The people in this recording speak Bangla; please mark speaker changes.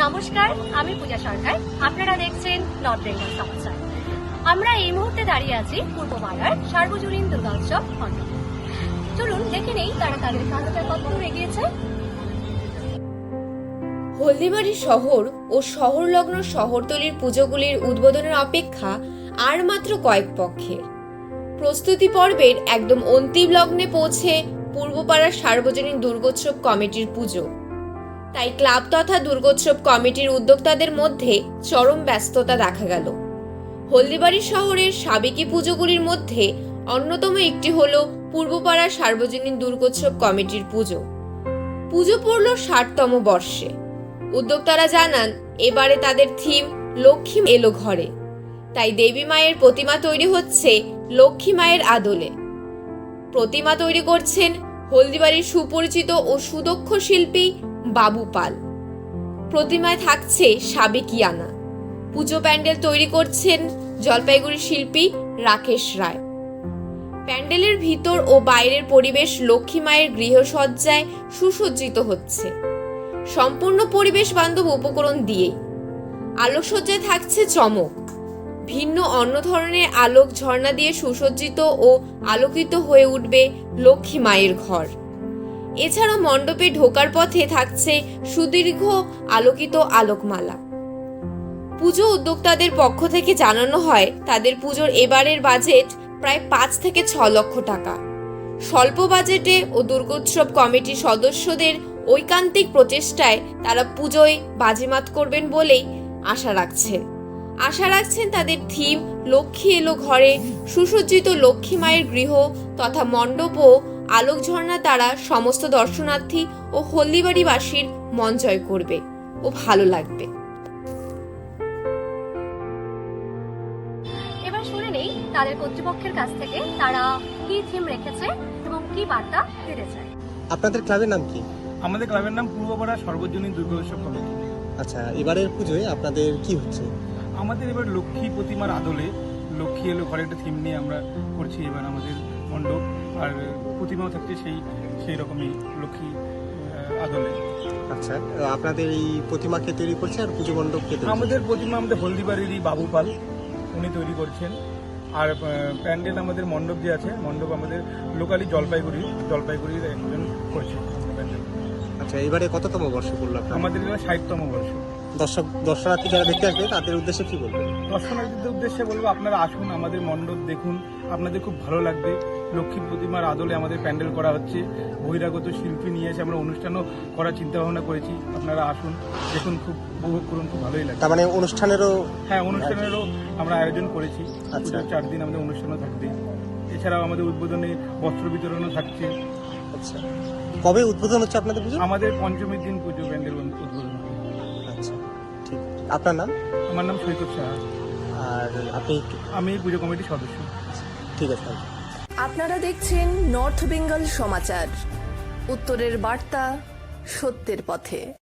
Speaker 1: নমস্কার, আমি পূজা সরকার। আপনারা দেখছেন নর্থ বেঙ্গল সমাচার। আমরা এই মুহূর্তে দাঁড়িয়ে আছি পূর্ববাংলার সার্বজনীন দুর্গোৎসব মণ্ডপে। চলুন দেখে নেই তারা তাদের কাজটা কতদূর এগিয়েছে।
Speaker 2: হলদিবাড়ি শহর ও শহরলগ্ন শহরতলির পুজোগুলির উদ্বোধনের অপেক্ষা আর মাত্র কয়েক পক্ষের। প্রস্তুতি পর্বের একদম অন্তিম লগ্নে পৌঁছে পূর্বপাড়ার সার্বজনীন দুর্গোৎসব কমিটির পুজো। তাই ক্লাব তথা দুর্গোৎসব কমিটির উদ্যোক্তাদের মধ্যে চরম ব্যস্ততা দেখা গেল। হলদিবাড়ি শহরের সাবেকি পুজোগুলির মধ্যে অন্যতম একটি হল পূর্বপাড়ার সার্বজনীন দুর্গোৎসব কমিটির পুজো। পুজো পড়ল ৬০তম বর্ষে। উদ্যোক্তারা জানান, এবারে তাদের থিম লক্ষ্মী এলো ঘরে। তাই দেবী মায়ের প্রতিমা তৈরি হচ্ছে লক্ষ্মী মায়ের আদলে। প্রতিমা তৈরি করছেন হলদিবাড়ির সুপরিচিত ও সুদক্ষ শিল্পী বাবু পাল। প্রতিমায় থাকছে সাবেকিয়ানা। পুজো প্যান্ডেল তৈরি করছেন জলপাইগুড়ির শিল্পী রাকেশ রায়। প্যান্ডেলের ভিতর ও বাইরের পরিবেশ লক্ষ্মী মায়ের গৃহসজ্জায় সুসজ্জিত হচ্ছে, সম্পূর্ণ পরিবেশ বান্ধব উপকরণ দিয়ে। আলোকসজ্জায় থাকছে চমক। ভিন্ন অন্য ধরনের আলোক ঝর্ণা দিয়ে সুসজ্জিত ও আলোকিত হয়ে উঠবে লক্ষ্মী মায়ের ঘর। এছাড়াও মণ্ডপে ঢোকার পথে থাকছে সুদীর্ঘ আলোকিত আলোকমালা। পুজো উদ্যোক্তাদের পক্ষ থেকে জানানো হয়, তাদের পুজোর এবারের বাজেট প্রায় ৫ থেকে ৬ লক্ষ টাকা। স্বল্প বাজেটে ও দুর্গোৎসব কমিটির সদস্যদের ঐকান্তিক প্রচেষ্টায় তারা পুজোয় বাজিমাত করবেন বলেই আশা রাখছেন তাদের থিম লক্ষ্মী এলো ঘরে সুসজ্জিত লক্ষ্মী মায়ের গৃহ তথা মণ্ডপ ও আলোক ঝর্ণা তারা সমস্ত দর্শনার্থী ও হলদিবাড়িবাসীর মন জয় করবে ও ভালো লাগবে।
Speaker 1: এবার শুনে নেই তাদের কর্তৃপক্ষের কাছ থেকে তারা কি থিম রেখেছে এবং কি বার্তা দিতে চায়।
Speaker 3: আপনাদের ক্লাবের নাম কি?
Speaker 4: আমাদের ক্লাবের নাম পূর্বপাড়া সর্বজনীন দুর্গোৎসব কমিটি।
Speaker 3: আচ্ছা, এবারের পুজোয় আপনাদের কি হচ্ছে?
Speaker 4: আমাদের এবার লক্ষ্মী প্রতিমার আদলে লক্ষ্মী এলো ঘরে একটা থিম নিয়ে আমরা করছি এবার আমাদের মণ্ডপ, আর প্রতিমাও থাকছে সেই রকমই লক্ষ্মী আদলে।
Speaker 3: আচ্ছা, আপনাদের এই প্রতিমাকে তৈরি করছে আর পুজো মণ্ডপকে তৈরি
Speaker 4: আমাদের প্রতিমা আমাদের হলদিবাড়িরই বাবু পাল, উনি তৈরি করছেন। আর প্যান্ডেল আমাদের মণ্ডপ যে আছে, মণ্ডপ আমাদের লোকালি জলপাইগুড়ির একজন করছে প্যান্ডেল।
Speaker 3: আচ্ছা, এবারে কততম বর্ষ পড়লো আপনার?
Speaker 4: আমাদের এবার ৬০তম বর্ষ।
Speaker 3: দর্শনার্থী যারা দেখতে আসবে তাদের উদ্দেশ্যে কি বলবেন?
Speaker 4: দর্শনার্থীদের উদ্দেশ্যে বলবো, আপনারা আসুন, আমাদের মণ্ডপ দেখুন, আপনাদের খুব ভালো লাগবে। লক্ষ্মী প্রতিমার আদলে আমাদের প্যান্ডেল করা হচ্ছে, বহিরাগত শিল্পী নিয়ে এসে আমরা অনুষ্ঠানও করার চিন্তা ভাবনা করেছি। আপনারা আসুন, দেখুন, খুব উপভোগ করুন, খুব ভালোই লাগবে।
Speaker 3: তার মানে অনুষ্ঠানেরও?
Speaker 4: হ্যাঁ, অনুষ্ঠানেরও আমরা আয়োজন করেছি।
Speaker 3: আচ্ছা,
Speaker 4: 4 দিন আমাদের অনুষ্ঠানও থাকবে। এছাড়াও আমাদের উদ্বোধনে বস্ত্র বিতরণও থাকছে।
Speaker 3: আচ্ছা, কবে উদ্বোধন হচ্ছে আপনাদের পুজো?
Speaker 4: আমাদের পঞ্চমীর দিন পুজো প্যান্ডেল উদ্বোধন হবে।
Speaker 3: আচ্ছা, ঠিক। আপনার নাম?
Speaker 4: আমার নাম সৈকত সাহা,
Speaker 3: আর
Speaker 4: আমি পুজো কমিটির সদস্য।
Speaker 3: ঠিক আছে।
Speaker 5: আপনারা দেখছেন নর্থ বেঙ্গল সমাচার, উত্তরের বার্তা, সত্যের পথে।